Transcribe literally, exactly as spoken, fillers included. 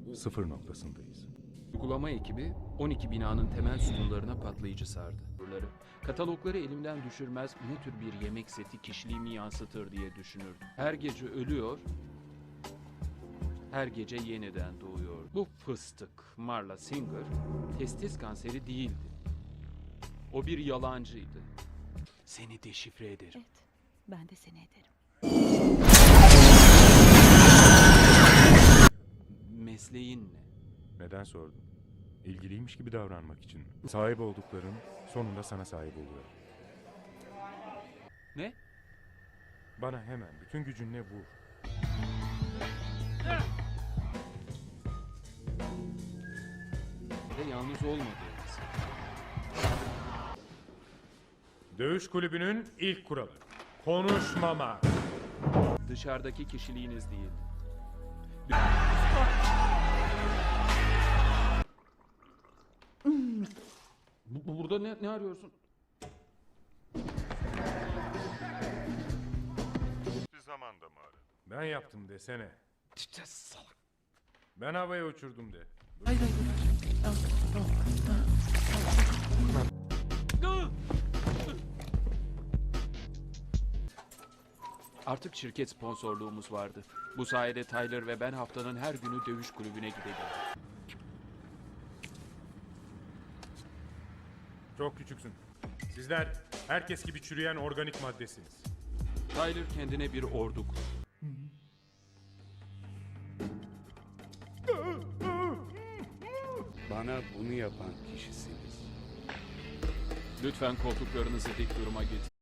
sıfır noktasındayız. Uygulama ekibi on iki binanın temel sütunlarına patlayıcı sardı. Katalogları elimden düşürmez, ne tür bir yemek seti kişiliğimi yansıtır diye düşünürdüm. Her gece ölüyor, her gece yeniden doğuyor. Bu fıstık, Marla Singer, testis kanseri değildi. O bir yalancıydı. Seni deşifre ederim. Evet, ben de seni ederim. Mesleğin ne? Neden sordun? İlgiliymiş gibi davranmak için. Sahip oldukların sonunda sana sahip oluyor. Ne? Bana hemen bütün gücünle vur. Ve yalnız olmadığınız. Dövüş kulübünün ilk kuralı. Konuşmama. Dışarıdaki kişiliğiniz değil. Bu- Burada ne, ne arıyorsun? Bir zamanda mı aradın? Ben yaptım desene. İşte salak. Ben havaya uçurdum de. Hayır hayır. Tamam, tamam, tamam. Artık şirket sponsorluğumuz vardı. Bu sayede Tyler ve ben haftanın her günü dövüş kulübüne gideceğiz. Çok küçüksün. Sizler herkes gibi çürüyen organik maddesiniz. Tyler kendine bir ordu kurdu. Bana bunu yapan kişisiniz. Lütfen koltuklarınızı dik duruma getirin.